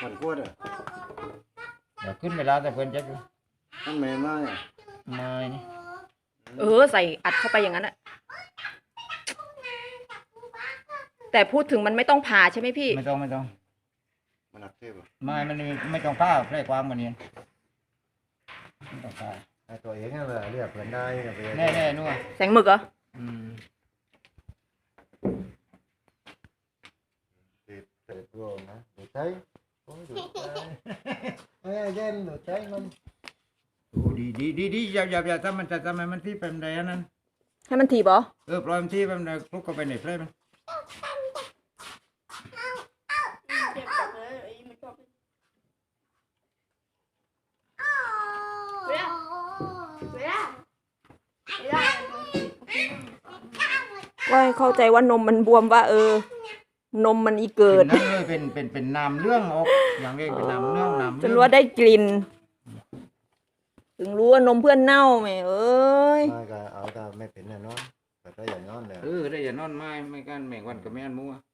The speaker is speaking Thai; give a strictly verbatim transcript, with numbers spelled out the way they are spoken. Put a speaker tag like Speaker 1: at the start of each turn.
Speaker 1: มันกวดอ่ะ
Speaker 2: เดี๋ยวขึ้นเวลาแต่เพิ่นจะ
Speaker 1: มันไม่มาเนี่ย
Speaker 2: ไม่นี่
Speaker 3: เออใส่อัดเข้าไปอย่างนั้นอะแต่พูดถึงมันไม่ต้องผ่าใช่ไหมพี่
Speaker 2: ไม่ต้องไม่ต้อง
Speaker 1: มันหนักเทพอ่ะ
Speaker 2: ไม่มันไม่ต้องผ้าแพร่ความมันเนี่ยไม่ต้องผ้า
Speaker 1: ไอ้ตัวเองนั่นแหละเรียกเพื่อนได้เนี่ยไป
Speaker 2: แน่แน่นู่น
Speaker 3: แสงหมึกเหรอ
Speaker 2: อืม
Speaker 1: ติดเตะโรนะดูใช้โอ้ยดูใช้เอ้ยเย็นดูใช้มัน
Speaker 2: โอ้ดีดีดีดีอย่าอย่าอย่าทำมันจะทำไมมันที่เป็นไรอันนั้น
Speaker 3: ให้มันถีบเหรอ
Speaker 2: เออปล่อยมันที่เป็นไรพวกก็ไปไหนเพลมัน
Speaker 4: เจ็บจังเลยไอ้มันชอบเวลาเวลาเวลา
Speaker 3: ว่าให้เข้าใจว่านมมันบวมว่า เออ นมมันอีเกิด
Speaker 2: นั่นเลยเป็นเป็นเป็นน้ำเรื่องออกอย่างเรียกเป็นน้ำเรื่องน้ำ
Speaker 3: จ
Speaker 2: เรื่
Speaker 3: น
Speaker 2: อง
Speaker 3: รู้ว่าได้กลิ่น ถึงรู้ว่านมเพื่อนเน่าแม่เอ้ย
Speaker 1: มาก็เอาแต่ไม่เป็นแน่นอนแต่ก็อย่างนอนเลย
Speaker 2: เออได้อย่านอนไม้ไม่กันแม่งวันกับแม่นมัว